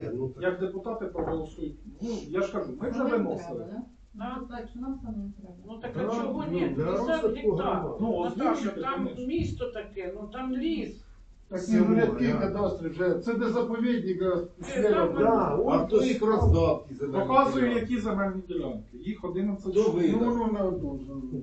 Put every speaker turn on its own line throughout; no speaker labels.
Як депутати проголосують. Ну, я ж кажу, ми вже виносили.
Так, що нам самим треба.
Ну так а чого ні? 50 гектар.
Ну,
Наташа,
озвучити,
там
конечно.
місто таке, ну там ліс.
Такі рядки кадастри вже, це де заповідник,
А хто їх роздав? ті земельні
Показую,
ділянки?
які земельні ділянки. Їх 11
Хто
штук.
видав?
ну на одну.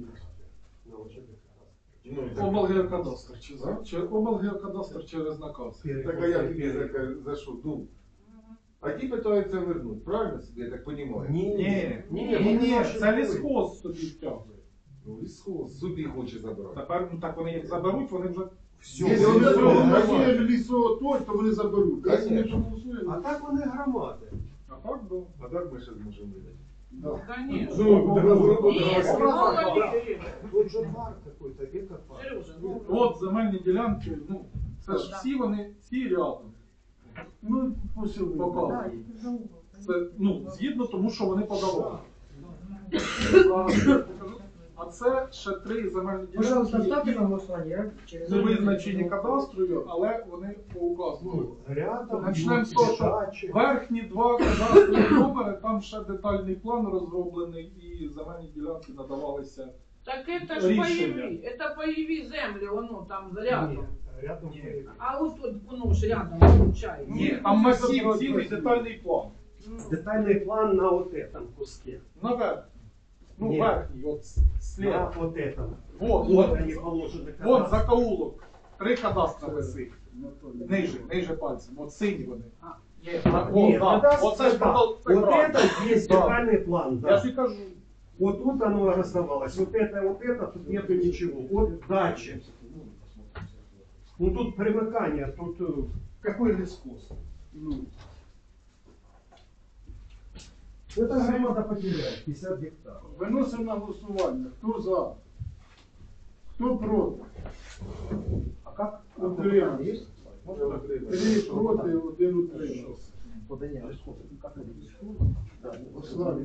Облгеокадастр чи облгеокадастр через наказ.
Так а як тобі за що? Ну. А ті питаються вернуть, правильно собі, я так розумію?
Ні, це лісхоз собі втягує.
Ну, лісхоз собі хоче забрати.
Тепер, ну так вони як заберуть, вони вже
Якщо вони проголосують лісотой, то вони заберуть. Якщо не проголосують,
А так вони громади.
А так було.
А так ми ще зможемо видати.
да.
Конечно.
Ну,
Мало ли.
Тут же парк какой-то, гекопарк.
Сережа, ну.
От земельні ділянки, ну, це ж всі вони, всі рядом.
Ну, посіли.
Показують. Це, ну, згідно тому, що вони подавали. А це ще 3 земельні
Пожалуйста, ставьте
ділянки,
на голосование. Я через...
не визначені кадастрою, але вони по указу.
Ну, рядом,
Начнемо з того, що
дачі.
верхні 2 кадастрові номери, там ще детальний план розроблений і земельні ділянки надавалися.
Так это ж
Рішення.
пайові, это пайові землі, воно там рядом.
Ні, рядом.
А ось тут, воно ж рядом виходить.
Ні, там масів, цілий детальний план.
Детальный план на вот этом куске.
Наверх. Ну,
Ні.
верхній, от
На
слева.
вот этом.
Вот,
Вот
вот,
они положены.
вон закоулок. 3 кадастра висить. Ниже пальцем. От сині вони.
Є.
Нет,
Оце ж
вот это есть
Да.
детальный план.
Я
Да.
ж і кажу.
Вот тут оно раздавалось. Вот это, тут нету ничего. Вот дача. Ну тут примыкание, тут какой лескос? Ну. Это громада потеряет 50 гектаров.
Виносимо на голосування. Хто за? Хто проти?
А як?
Утримався. 3 проти, 1 утримався. Славі.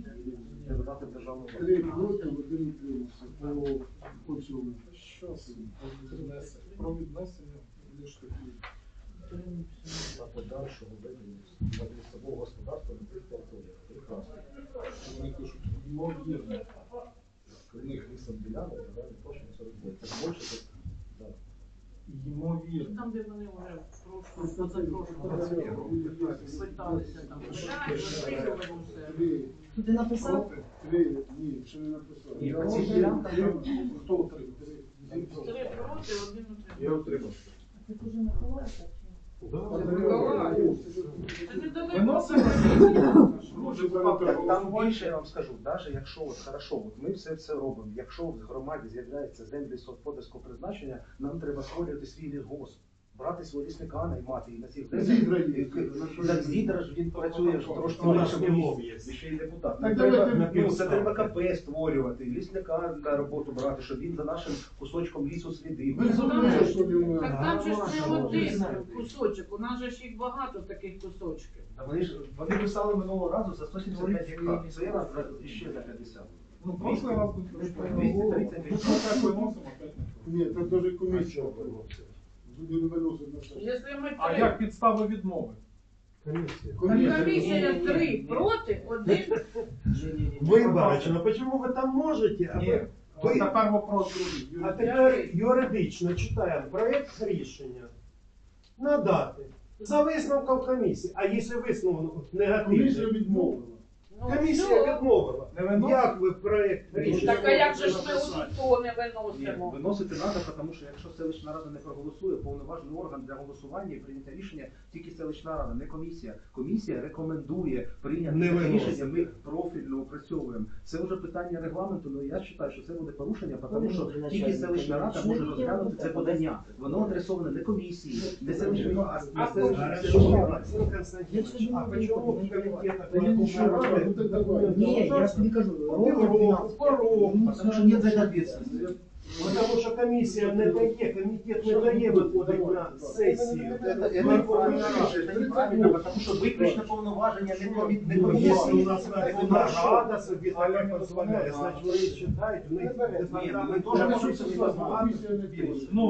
3 проти, 1 утримався. По цьому.
Щас. Про віднесення лиш такі.
Та подальшого ведення лісового господарства на тих територіях. Прекрасно.
Вони пишуть, ймовірно.
В них лісом ділянок, загальна площа 49. Так більше, так, да.
Ймовірно.
Там, де вони вже позапрошлого питалися там. Виписували все.
3,
Тут ти написав?
3, ні, ще не написав.
І оці ділянки, хто отримав?
3 проти, 1
Я
утримався.
утримався.
Ти вже не ховаєшся?
Це недалеко.
Виносимо.
Так там більше, я вам скажу, навіть якщо от хорошо, от ми все це робимо, якщо в громаді з'являється землі сільськогосподарського призначення, нам треба створювати свій лісгосп, брати свого лісника, наймати і на цих Так Зідра ж він працює в трошки
Ну,
нашому
наш
місці,
є.
і ще й депутат.
Так
Треба,
давайте
ну, це треба КП створювати, лісника на роботу брати, щоб він за нашим кусочком лісу слідив.
Ви зрозуміли, що він...
Так там же ж не один кусочок, у нас же ж їх багато таких кусочків.
Та вони писали минулого разу за 175 гектар, цей раз ще за 50.
Ну, прошлий раз ми
230
так виносимо, опять не.
Ні, це дуже комісія. Люди не виносять на це.
Якщо ми
А як підстави відмови?
Комиссия.
комісія 3 проти, 1.
Виборочно, почему вы там можете? А
Ні.
ви-
Ось тепер вопрос другий.
А тепер юридично читаємо проєкт рішення надати за висновком комісії. А якщо висновок
Комісія
негативний?
відмовила.
Комісія відмовила.
Не виносить?
Як ви проєкт рішення?
Так а як же ж ми у то не
Ні,
виносимо?
виносити треба, тому що якщо селищна рада не проголосує, повноважений орган для голосування і прийняття рішення тільки селищна рада, не комісія. Комісія рекомендує прийняти
Не
це
виносити.
рішення, ми профільно опрацьовуємо. Це вже питання регламенту, але я вважаю, що це буде порушення, тому що тільки селищна рада може розглянути це подання. Воно адресоване не комісії, не селищній раді, а селищній раді.
Максим Константинович, а почему в комитетах
Да ничего,
Верховной
ну
Рады
так давай.
Не, я ж тобі кажу, ровно 12.
Потому что нет за это ответственности.
Потому що комісія не дає, комітет не дає виходити на сесію.
Это неправильно, это неправильно, потому что виключно повноваження не
Ну, если у
комісії.
нас Верховна Рада собі так дозволяє, значить вони читають, у них
Ні, ми теж можемо собі дозволити.
Ну,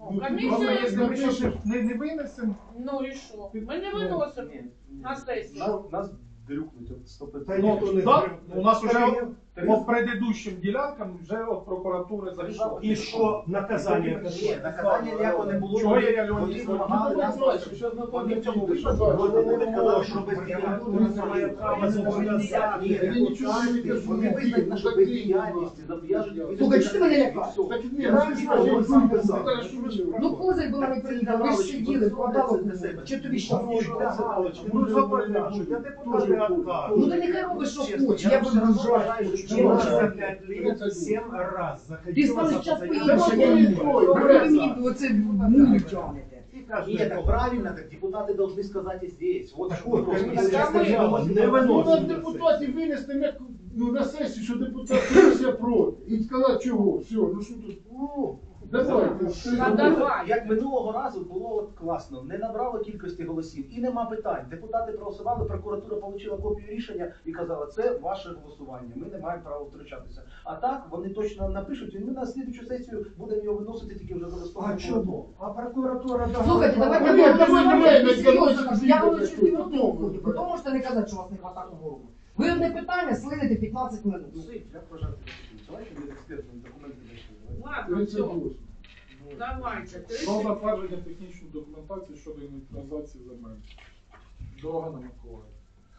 Ну,
Комісія-
просто якщо ми
Комісія-
щось не винесемо,
Ну і що? Ми не виносимо на сесію.
Нас дрюкнуть от 100%.
Та
ну,
ніхто не
да,
дрюкне.
у нас вже
Та
по предыдущим ділянкам вже від прокуратури зайшло.
І що наказання?
Ні, наказання ніякого не було.
Чого я Леонід
Вони
Іванович?
вимагали
Ну,
нас
давай,
бачити.
щас Наталя
Вони в цьому
піде,
вийшли.
що
Вони
далі?
не казали, що без
Прокуратура
діяльності.
не має права зобов'язати.
Ні,
Я нічого не кажу.
вони визнають нашу бездіяльність, зобов'яжуть.
Слухай, що ти мене лякаєш?
Так ні,
Я
ну,
вам
ти
скажу,
скажи,
я сам
ну,
казав.
Наталя, що ви робите?
Ну, Козир була не приїхала, ви ж сиділи, вкладали кому. Чи тобі що
Галочки, ну заподяжуть, я депутати откажу.
Ну ти нехай робиш, що
Чесно,
хочеш,
я
я
все
буду
одно
ржати.
вважаю, що
Я
Я
ржати.
за 5 лет 7 раз
Ти
заходила
скажеш,
за
час
позади.
по-іншому, я не можу. Ви мені оце мулю тягнете.
І кожен
Нет, так правильно, так депутаты должны сказать и здесь. Вот
Так
что
вот,
вопрос.
комиссия
Так,
сказала,
мы-
не
Ну,
виносимо
на депутатів винести на сесію, що депутат комісія проти. І сказати, чого, все, ну що тут, давайте.
Та давай.
Як минулого разу було от класно, не набрало кількості голосів і нема питань. Депутати проголосували, прокуратура отримала копію рішення і казала, це ваше голосування, ми не маємо права втручатися. А так вони точно напишуть, і ми на слідчу сесію будемо його виносити тільки вже за
А
листопадом.
чому? А прокуратура
Слухайте, давайте
Ні,
я
давай,
говорю
давай,
серйозно,
давай,
я
давай,
говорю, що
давай,
ти
давай.
виходить, потім можете не казати, що у вас не хватає ворогу. Ви одне питання слините 15 минут.
Я вважаю, давайте ми експертні документи знайшли.
Ладно, все.
38.
Давайте.
Про затвердження технічної документації щодо інвентаризації земель. Дорога на Миколаїв.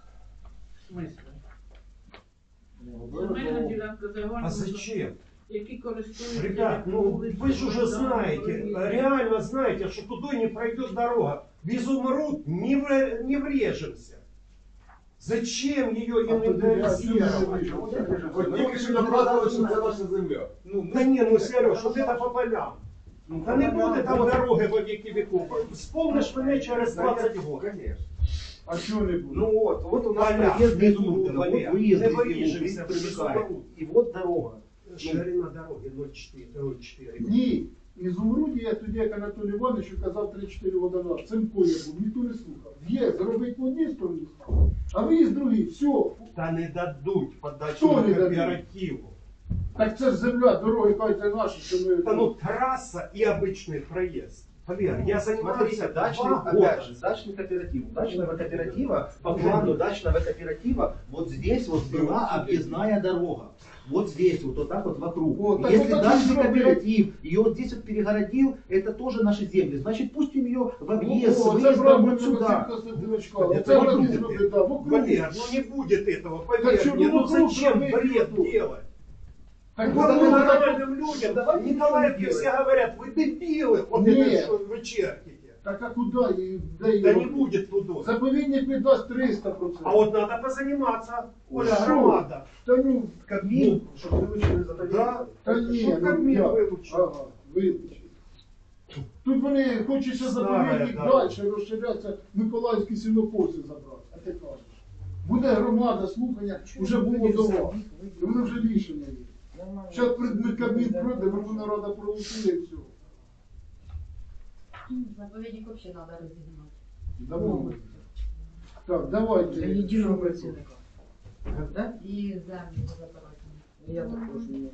В смысле? Земельна ділянка загального,
А зачем?
які користуються.
Ребят, ну вы же уже знаете, реально знаете, что туда не пройдет дорога. Без умрут, не врежемся. Зачем ее инвентаризировать?
От тільки що доказували, що це наша земля.
Да не, ну Сереж, вот это по полям. Да не буде там дороги во веки веков. Вспомнишь меня через 20 год.
Конечно.
А чого не буде?
Ну вот у нас
Поля,
проезд без
внизу,
Урбина, вот
Валер,
выезд
не
из
вырежемся,
Урбина примыкает.
без
И вот дорога.
Ширина дороги 0,4.
Ні. Із Умруді я тоді, як Анатолій Іванович казав 3-4 водонавки. Цимко я був, ніхто не слухав. Є, зробити по одній стороні, а ви з другій, все.
Та не дадуть подачу
Хто не дадуть?
кооперативу.
Так це ж земля, дороги, кажете, наші, що ми...
Да ну трасса и обычный проезд. Валер, я занимался
Смотрите, дачный,
2
опять
года.
же, дачный кооператив. Дачного кооператива, по плану дачного кооператива, вот здесь вот была объездная дорога. Вот здесь, вот так вот вокруг.
Вот, так
Если
вот так
дачный
и сделали.
кооператив ее вот здесь вот перегородил, это тоже наши земли. Значит, пустим ее в объезд,
О, це
выездом
правильно,
вот сюда.
Константиновичка.
Это
Це
не
вони
будет.
зробили, да, вокруг.
Валер, ну не будет этого,
Так
поверь
что,
мне,
ну
ну
вокруг
зачем
зробити
бред
вокруг.
делать?
Так
Вот
вокруг,
мы
так
нормальным людям, давай Николаевке
делать?
все говорят, вы дебилы, вот
Нет.
это что вы черките.
Так а куди? І де
Да
її
не
робити?
будет туда.
Заповідник віддасть 300%.
А вот надо позаниматься, Оля,
Что?
громада.
Та ну,
Кабмин, чтобы вылучили за
да? Та ні,
Що
ну
Кабмін
як?
вилучив?
Ага, вилучив. Тут вони хочуть ще заповідник
Старая,
далі розширятися, Миколаївські сінокоси забрати. А ти кажеш. Буде громада, слухання, вже було до вас. І воно вже рішення є. Зараз Кабмін пройде, Верховна Рада проголосує і все.
Заповедник вообще надо разогнать.
Давай. Так, давайте.
Для єдиного працівника. Да?
И землю забирать.
Я також не.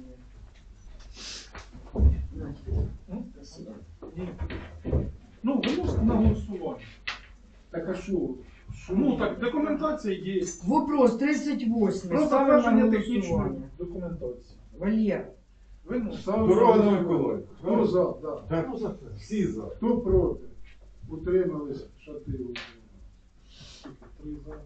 Спасибо.
Ну, виносите на голосування.
Так а що?
Ну так, документація є.
Вопрос 38.
Про
Ставимо на
затвердження технічної
голосування.
документації.
Валер,
Виносите.
Дорога на Миколаїв.
Хто за? Да.
Всі за.
Хто проти? Утримались шати.
Три за.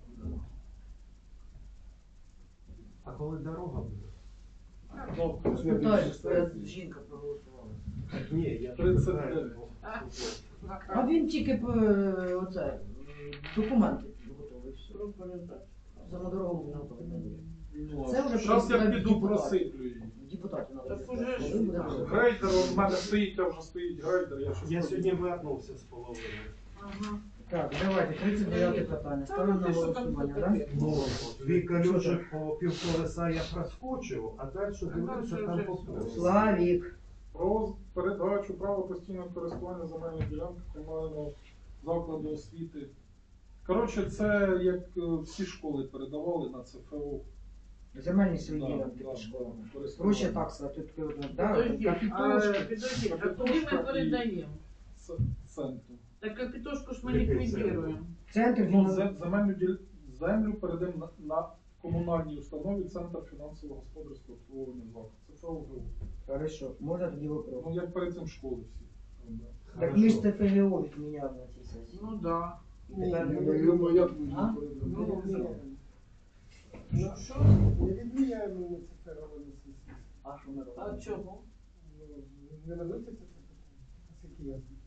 А коли дорога буде?
Добре.
спитаєш, твоя жінка проголосувала.
Ні, я
39.
А він тільки оце, документи готовий. Все. Самодорогу Це вже
Зараз я
просто
піду
депутат.
просиплю її.
Депутатів надо.
Так уже ж.
Коли буде розгляд?
Грейдер у мене стоїть, а вже стоїть грейдер. Я, щас
Я
пройду.
сьогодні вернувся з половиною.
Ага.
Так, давайте, 39 питання. Ставимо на
Та ну ти що там
голосування,
таке?
так?
Ну, дві колючі по півколеса я проскочив, а далі дивлюся,
далі
там
вже
поповз.
Славік.
Про передачу права постійного користування земельної ділянки комунального закладу освіти. Коротше, це як всі школи передавали на ЦФО.
Земельні свої
Да,
ділянки
да,
під школами.
користування.
Гроші так сказати, тут от, да,
Підождіть,
капітошки.
підождіть, а куди ми передаємо?
Центру.
Так капітошку ж ми
Який
ліквідуємо.
Центр
Ну,
фінансового.
землю передаємо на комунальній установі Центр фінансово-господарського обслуговування закладу. Це ФОГУ.
Хорошо, можна тоді вопрос.
Ну, як перед цим школи всі. робили.
Так ми ж ТФГО відміняли на цій сесії.
Ну да.
Тепер
Я
буде.
думаю, як ми
А?
передамо.
Ну, що?
Не відміняємо ми це робимо сесії.
А що ми
А
робимо?
чого?
Не виноситься це питання. Наскільки я знаю.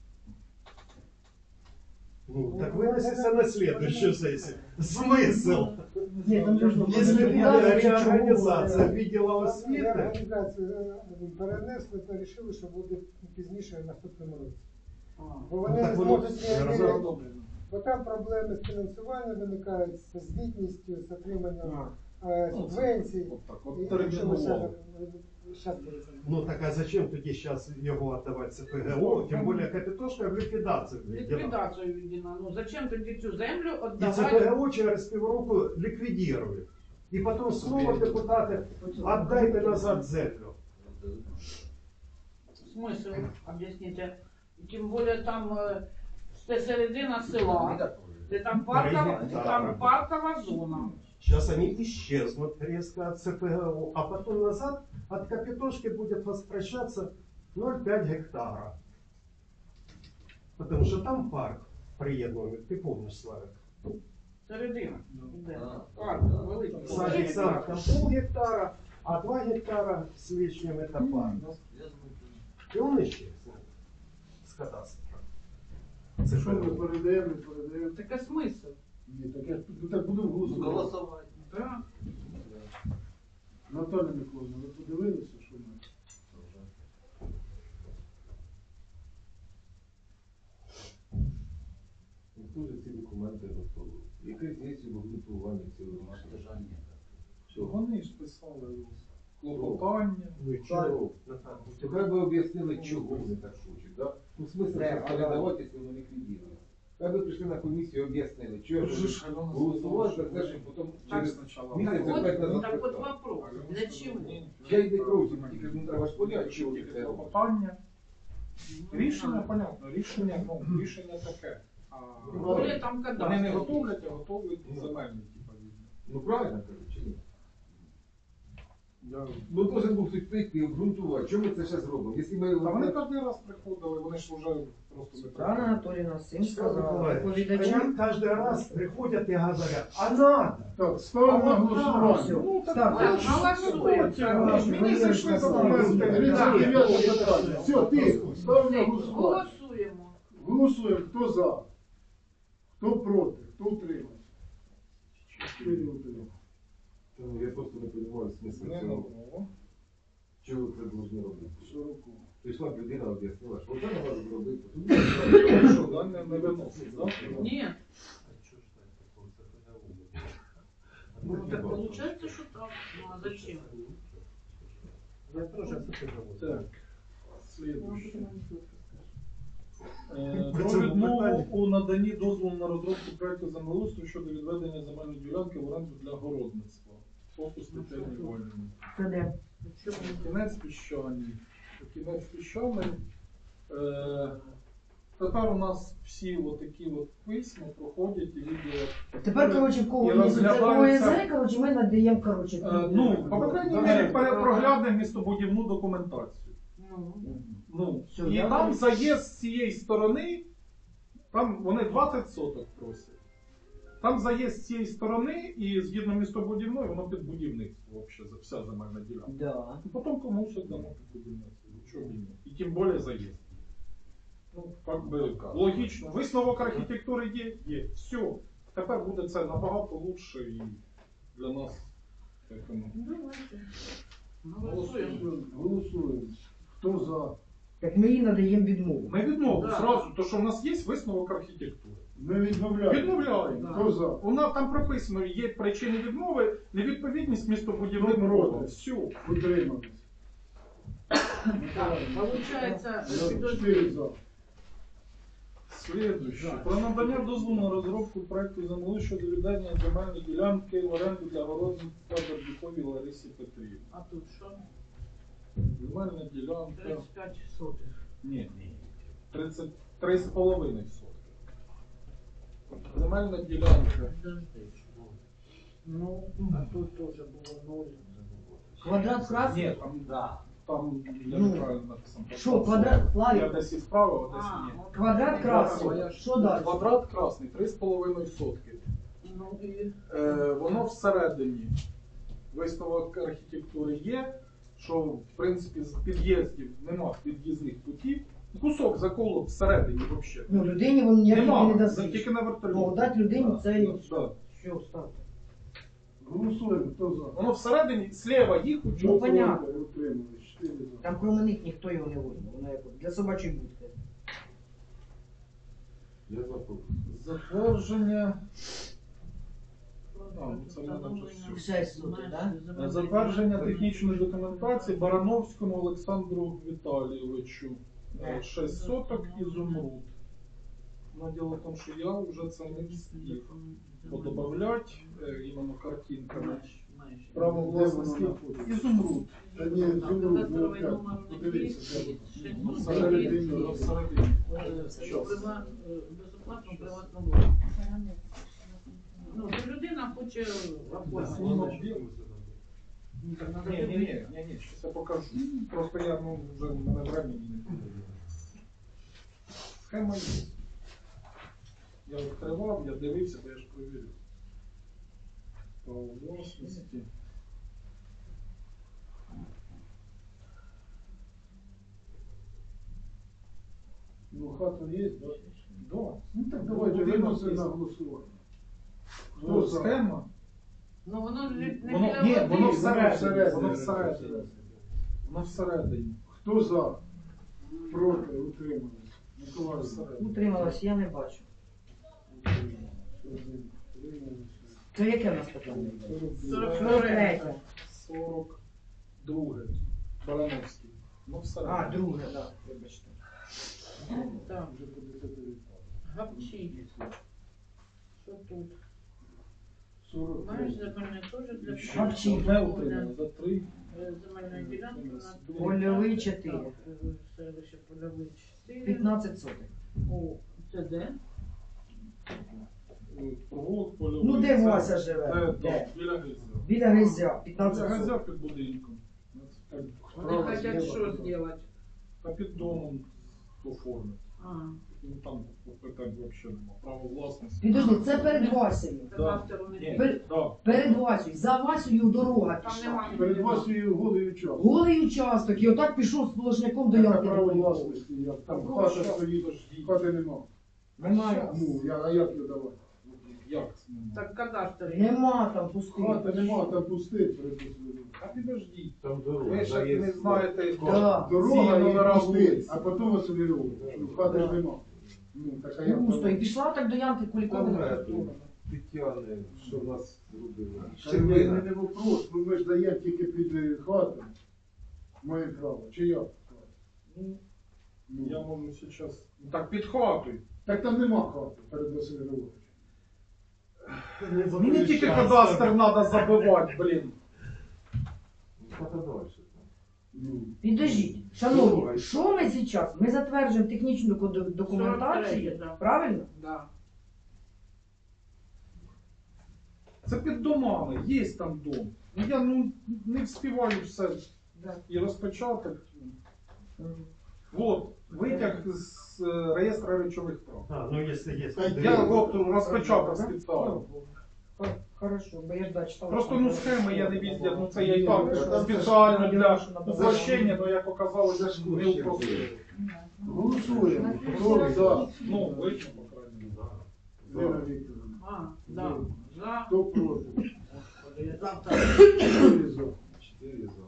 Ну, так выносится на следующую сессию. Смысл?
Ні, там же ж
Если будет реорганизация відділу
Я
освіти,
організацію перенесли та вирішили, що буде пізніше в наступному році. Бо
ну,
вони
так
не
воно
зможуть не
разом.
бо там проблеми з фінансуванням виникають, з звітністю, з отриманням субвенцій.
От так,
І
от
якщо ми
терміново.
щас перейдемо.
Ну так а зачем тоді зараз його віддавати ЦПГО, тим більше капітошка в ліквідацію відділа.
Ліквідацію відділа. Ну зачем тоді цю землю
І
віддавати?
ЦПГО через півроку ліквідують. І потім знову депутати, віддайте назад землю.
Смисл, об'ясніть. Тим більше там це середина села, де там паркова зона.
Сейчас они исчезнут резко от ЦПГО, а потом назад от капитошки будет возвращаться 0,5 гектара. Потому что там парк приєднаний, ти помниш, Славик?
Середина. Де? Парк великий.
Садик сам там пол гектара, а 2 гектара с лишним это парк. И он исчезнет с кадастра.
Це що ми передаємо, передаємо.
Таке смисл.
Ні, так я ну, так будемо голосувати.
Да.
Наталя Миколаївна, ви подивилися, що ми?
Хто ж ці документи готові? Яке є обґрунтування цього рішення? Що?
Вони ж писали клопотання.
Ну и чего?
Тепер ви об'яснили, чого вони так хочуть, да? Ну, смисл це передавати, якщо вони ліквідують. Так ви прийшли на комісію і об'яснили, чого
Вже
ви
ж Альона
голосували за
сказала,
те, що потім
Так,
через
спочатку.
місяць
Так
опять назад
так от
писали.
вопрос. Для чого?
Я йде кров, тільки ну, треба ж поняти, чого ти це робиш.
Клопотання. Рішення, понятно, рішення таке. А
Более там
вони не
кадастр.
готовлять, а готовлять земельні, типа, відно.
Ну правильно кажу, чи ні?
Я...
Ну должен був хтось прийти і обґрунтувати, чому ми це зараз робимо? Якщо ми...
Та вони кожен раз приходили, вони ж вже просто не
Світлана Анатоліївна всім сказала,
Они
доповідачам.
каждый раз приходят и говорят, а надо.
Так, ставимо на голосування.
Ну, так,
Так,
так,
голосуємо.
мені зайшли документи.
39 питання. Все, тихо, ставимо на голосування.
Голосуємо.
Голосуємо, хто за, хто проти, хто утримався. 4 утримався.
Ну, я просто не розумію смисл
Не
цього.
нового.
Чого ви це повинні робити?
40.
Прийшла б людина, об'яснила, що це не можна зробити.
Що, да, не виносить, да?
Ні. Ну так виходить, що так. Ну а зачем?
Я тоже
Так, слідуюче.
По
Про
цьому
відмову
питанню.
у наданні дозволу на розробку проекту землеустрою щодо відведення земельної ділянки в оренду для городництва. Фокус Тетяни Вольної.
Це де?
Кінець піщаний. Кінець піщаний. Тепер у нас всі отакі от письма проходять і відділи.
Тепер, коротше, в кого
І
є
розглядаються-
ОСР, коротше, ми надаємо, коротше.
Ну, по крайній мірі, проглянемо містобудівну документацію.
Ну.
Ну,
Все,
і
я
там
вам-
заїзд з цієї сторони, там вони 20 соток просять. Там заїзд з цієї сторони, і згідно містобудівної, воно під будівництво, взагалі, вся земельна ділянка.
Да.
І потім комусь дамо під будівництво. Чого б і ні. І тим більше заїзд. Ну, как би, логічно. Висновок архітектури є. Все. Тепер буде це набагато лучше і для нас. Як воно.
Давайте. Голосуємо.
Голосуємо. Хто за?
Так ми їй надаємо відмову.
Ми відмовимо
Да.
зразу, то що в нас є висновок архітектури.
Ми відмовляємо.
Відмовляємо.
Хто за?
У нас там прописано, є причини відмови, невідповідність містобудівним
Проти.
нормам. Все.
Утримались.
Так, получається, підожди.
4 за.
Слідуюче. Про надання дозволу на розробку проекту землі щодо віддання земельної ділянки в оренду для городництва Бердюковій Ларисі Петрівні.
А тут що?
Земельна ділянка.
35 сотих.
Ні. 33,5 сотки. Земельна ділянка.
Ну, а тут теж було 0.
Квадрат красний?
Ні, там я
Ну,
неправильно написано.
Що, квадрат?
Я
Славік,
десь і справа, а десь
А,
ні.
квадрат красний. Що далі?
Квадрат красний, 3,5 сотки.
ну і
Воно всередині. Висновок архітектури є, що в принципі з під'їздів нема під'їзних путів. Кусок заколот всередині взагалі.
Ну, людині він ніяких не
Нема,
дасть.
тільки на вертольоті.
Ну, дати людині це і
Да.
що, ставте.
Голосуємо, хто за?
Воно всередині, слева їх
Ну,
учуть.
понятно.
Утримались, 4 за.
Там кроме них ніхто його не возьме. Воно як для собачої будки.
Я запомнив.
Затвердження. Це в мене вже все.
6 сотих, да?
Затвердження технічної документації Барановському Олександру Віталійовичу. 6 соток ізумруд. Ну, діло в тому, що я вже це не встиг подобавлять іменно картинками. Право власності ізумруд.
Та ні, зумруд, ну
Кадастровий
як,
номер
подивіться, де воно.
Всередині. Всередині.
безоплатно приватну власність. Ну, то людина хоче оформити.
Ні, щось я покажу. Просто я, вже в мене времени не буде. Схема є. Я відкривав, я дивився, бо я ж провірив. Право власності.
Ну, хата є, да?
Да.
Ну так давайте виносимо на голосування.
Ну, схема.
Ну, воно ж не
Воно,
біля
ні,
води.
воно всередині.
всередині.
Воно всередині. Воно всередині.
Хто за? Проти, утримались. Миколаїв.
Утрималась, я не бачу. Це яке в нас питання? 43.
42. Барановський. Ну, всередині.
А, друге, так, вибачте.
Так,
Вже по 10
гапчі. Що тут?
40.
Маєш земельне теж для
Гапчі.
Одне утримано, за 3.
земельної ділянки на
Польовий 4.
Так, селище Польовий 4.
15 сотих.
О, це де?
Провулок польовий.
Ну, де
Це-
Вася живе?
Де?
Де?
Біля Гризя.
Біля Гризя,
Біля
15
Гризя
сотих.
під будинком.
Вони хочуть що зробити?
А під домом оформити.
А,
Ну там питань взагалі нема. Право власності.
Підожди, це перед Васею.
кадастру не
Ні,
Пер-
да.
Перед Васею. За Васею дорога
Там
пішла.
нема.
Перед вашою голою час.
Голий участок, і отак пішов сплошняком до
Яке
ямки.
право власності, як там
Ну,
хата
що?
стоїть, хати нема.
Немає.
Ну, а як його давати?
Як це нема?
Так кадастр.
Нема там пустих.
Хати нема, там пустить перед послідом.
А підождіть.
Там дорога.
Ви ще
заїзд.
не знаєте,
Да.
Дорога
ці номера
і пустить,
вулиць.
а потім Васильову. Хати ж нема. Ну, так а як
Пусто. І
там?
пішла так до ямки Кулікової.
Тетяни, що в нас зробили?
Та ні, не вопрос, ну ми ж даємо тільки під хату. Маємо право. Чи як?
Ну, я можу зараз. Так під хатою.
Так там нема хати перед Васильовим.
Мені тільки кадастр треба забивати, блін.
Хата далі.
Ну,
Підождіть, шановні, що ми зараз? Ми затверджуємо технічну документацію,
43, да.
правильно?
Да.
Це під домами, є там дом. Ну я не встигаю все і розпочаток. Вот, витяг з реєстру речових прав.
А, ну если есть.
Я розпочаток спеціально.
Хорошо, бо я ж читала.
Просто схеми я не везде, це я і так спеціально для упрощення, але як оказалось, не упростили.
голосуємо. Хто за?
Ну, вийшло, по крайній мірі.
Лена Вікторовна.
А, да. За.
Хто проти?
Завтра.
4 за.
4 за.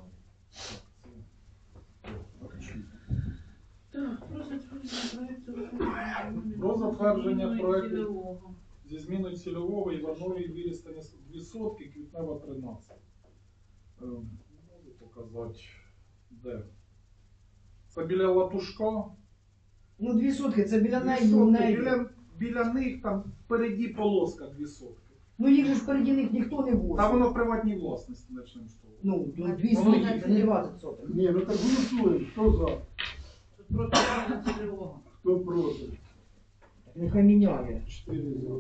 Так, про затвердження проекту.
Про затвердження проекту.
Цільового.
Зі зміною цільового Іванові вирістання 2 сотки, Квітнева 13. Можу показати, де. Це біля Латушка.
Ну, 2 сотки, це біля
2
неї,
сотки,
неї.
біля них там впереді полоска 2 сотки.
Ну, їх же ж переді них ніхто не
Та
возить.
воно в приватній власності, почнемо з того.
Ну, 2
Воно
сотки,
їх-
це не 20 соток.
Ні, ну так голосуємо. Хто за?
Тут просто реально цільового.
Хто проти?
Нехай міняє.
4 за.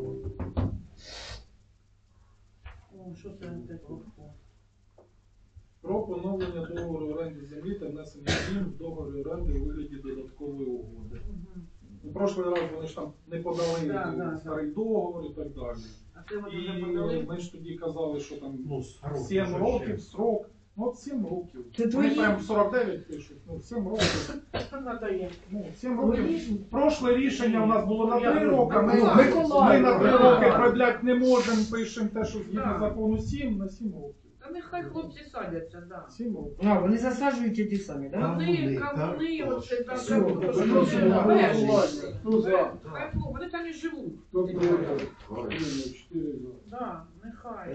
О, що це таке?
Про поновлення договору оренди землі та внесення змін в договорі оренди у вигляді додаткової угоди. У прошлий раз вони ж там не подали
Да.
старий договор і так далі.
А це вони вже
І
подали?
ми ж тоді казали, що там
Ну, срок
7
уже
років
ще.
срок. Ну от 7 років.
Це
Вони
твої?
прям 49 пишуть. Ну 7 років.
Надає.
Ну 7 років. Прошле рішення у нас було на 3
Я-
роки. Ми
Миколаїв.
на 3
Да.
роки продлять не можемо, пишемо те, що згідно
Да.
закону 7 на 7 років.
Та нехай хлопці садяться, да.
7 років.
А, вони засаджують ті самі, так? Да?
Вони,
так,
кавуни, оце там,
Все,
то, що
виносимо
вони
на
перші.
голосування. Хто за?
Хай, ну, вони там і живуть.
Хто проти? 4 за.
Да, нехай.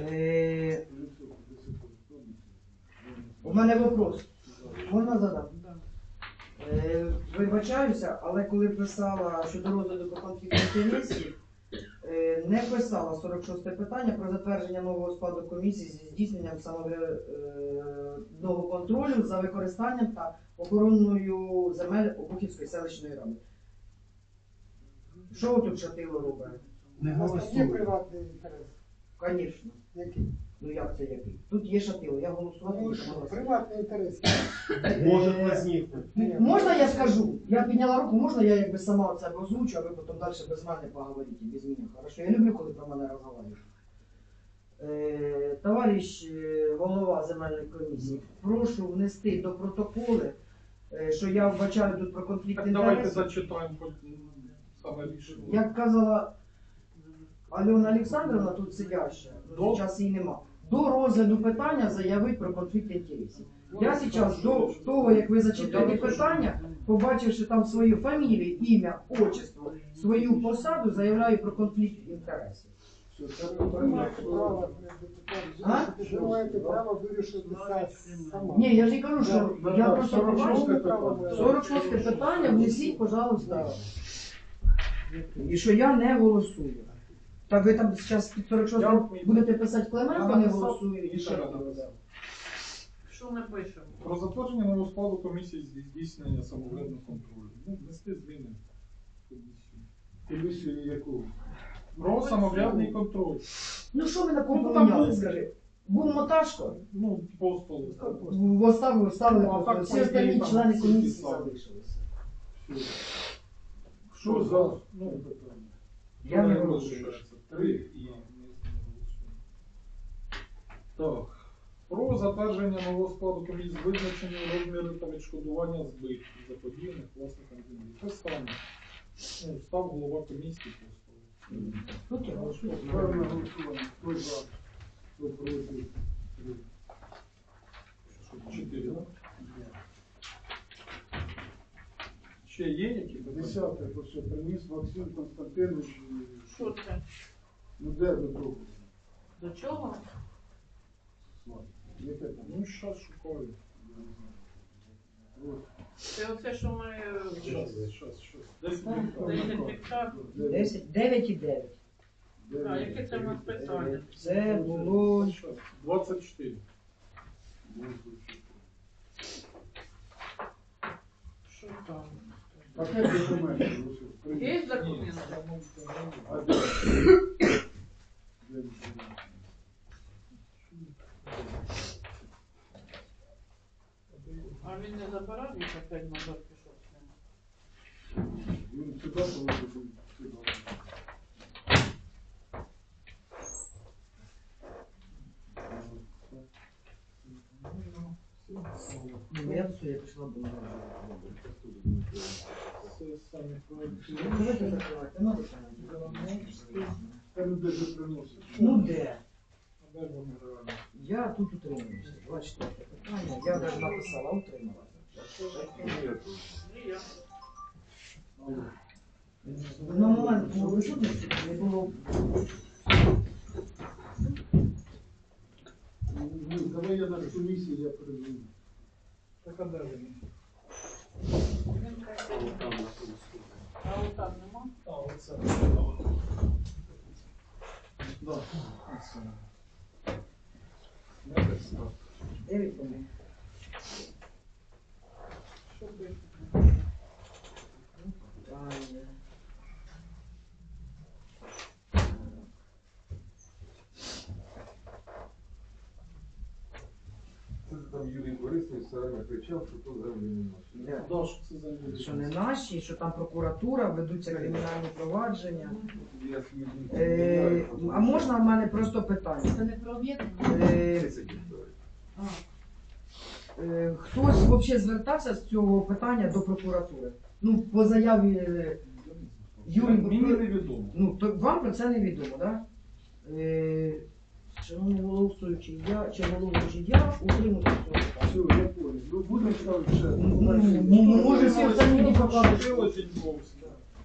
У мене вопрос. Можна задати?
Да.
Вибачаюся, але коли писала щодо розгляду про конфлікт інтересів, не писала 46 питання про затвердження нового складу комісії зі здійсненням самоврядного контролю за використанням та охороною земель Обухівської селищної ради. Що тут Шатило робить?
Не
У нас там є
голосує.
приватний інтерес.
Звісно.
Який?
Ну як це який? Тут є Шатило, я голосувати
Ну,
не
що,
можу.
приватний інтерес.
Може возникнути.
Можна я скажу? Я підняла руку, можна я якби сама це озвучу, а ви потім далі без мене поговорите, без мене. Хорошо? Я люблю, коли про мене розговорюють. Товариш голова земельної комісії, прошу внести до протоколи, що я вбачаю тут про конфлікт
Так давайте
інтересів.
зачитаємо хоч саме рішення.
Як казала Альона Олександровна, тут сидяща, ну, зараз її нема, до розгляду питання заявить про конфлікт інтересів. Я зараз до того, як ви зачитаєте питання, побачивши там свою фамілію, ім'я, отчество, свою посаду, заявляю про конфлікт інтересів.
Ви маєте право,
А?
ви маєте право вирішити це сама.
Ні, я ж не кажу, що
Да,
я
да,
просто
46
побачила. 46 питання, внесіть, пожалуйста. І що я не голосую. Так ви там зараз під 46 будете писати Клименко не голосую і ще раз.
Що ми пишемо?
Про затвердження нового складу комісії зі здійснення самоврядного контролю. Ну, внести зміни в комісію.
Комісію яку?
Про самоврядний контроль.
Ну що ви на кого
Ну, там
поміняли,
був.
скажи? Був Моташко,
Ну, по столу.
ставили
Ну, а
просто.
так,
Всі
по
остальні
ідеї, там
члени
всі
комісії
писали.
залишилися.
Що за?
Ну,
Я не голосую.
3 і не голосуємо. Так. Про затвердження нового складу комісії з визначення розміру та відшкодування збитків заподіяних власникам землі. Те саме. Ну, став голова комісії просто.
Тут я голосую.
Ставимо на голосування. Хто за? Хто проти? 3.
4, так? Ще є які?
10-те, то що приніс Максим Константинович.
Що це?
Ну де до того?
До чого?
Яке там?
Ну, зараз шукаю.
Це оце, що ми...
Щас. 10
10 гектар.
10, 9 і 9.
А, яке це в нас питання?
Це було
24.
Що там?
Пакет документів.
Є документи?
А де? Де документи?
А він не забирав їх опять назад пішов з ним?
Він сюди положив, сюди.
Ну, я все, я пішла б на
Це самі проекти.
Давайте закривати, ну закривати.
Там де ж приносить.
Ну де?
А де вони реально?
Я тут утримуюся. 24 питання. Я навіть написала утрималася.
І я.
На момент відсутності не було.
Ну, давай я на комісії, я передзвоню.
Так а де вони?
Він каже, А от там нема?
А, оце. Да, оце.
Дев'ять вони.
Що пише?
Питання.
Це там Юрій Борисович все время кричав, що то землі не наші.
Де?
Да, що це за люди?
Що не наші, що там прокуратура, ведуться кримінальні провадження.
Я свій дім
А можна в мене просто питання?
Це не про об'єднання?
Е, Хтось взагалі звертався з цього питання до прокуратури? Ну, по заяві Юрій
Мені невідомо.
Ну, то вам про це не відомо, так? Шановний голосуючий, чи головуючий, я утримуюся цього
Все,
питання.
я понял. Ну, будемо ставити ще.
Може, всі остальні не покажуть.
Ти очень зовсім.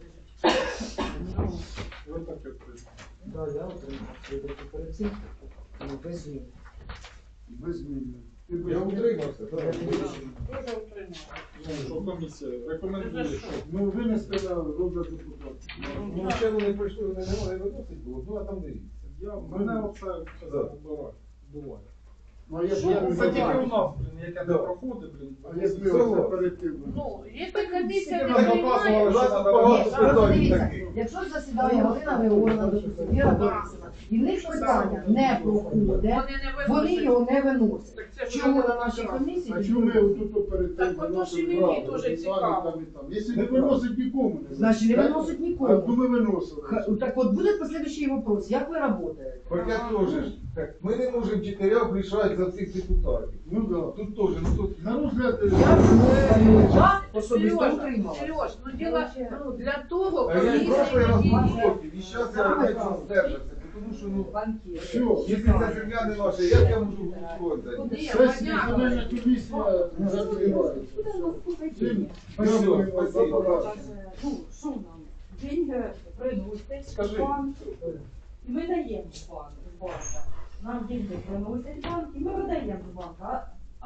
Ви так відкрито.
Так, я утримався. Перед цим без змін.
Без змін. Ти без
Я
змін.
утримався, так.
Дуже утримала.
Ну, що комісія рекомендує, що
Ну, винести на розгляд депутатів.
Ну, ще вони прийшли, вони не могли виносити було, ну а там дивіться.
мене оце вбиває. Буває.
Ну, а я
Це тільки у
бачу.
нас, блін, яке не проходить, блін.
А якби оце перед тим.
Ну, якщо комісія не
Нам
приймає,
показували, що треба
Ні,
багато
просто
питань
дивіться,
таких.
якщо засідає Галина Григорівна, допустим, Віра Борисівна, і в них питання не проходить,
вони не
вони
виносять.
його не виносять.
Так це ж
Чому
вже
на нашій
прекрасно.
комісії?
А чому ми отут перед
Так
тим
от
виносимо
ж і мені
правду,
дуже
і
цікаво.
там, і там. Якщо не виносить нікому, не
Значить, не
виносить.
виносить
А
нікому.
то ми виносили.
Так от буде послідуючий вопрос, як ви працюєте?
Так я теж. Так, ми не можемо чотирьох рішати за всіх депутатів.
Ну да.
Тут теж, ну тут.
На розгляд
Я особисто
Сережа,
утримала.
Сереж, ну діло для того,
А я і прошлий раз
комісія
був проти, і зараз я опять здержався, тому що, ну,
все.
якщо ця земля не наша, як я можу голосувати за
Куди
неї?
я
Сесія
понятно.
земельна комісія закривається. Всім дякуємо за побачення.
Ну, що нам? Деньги приносять
Скажи.
в банк, і ми даємо в банк. Нам деньги приносять в банк, і ми видаємо в банк. А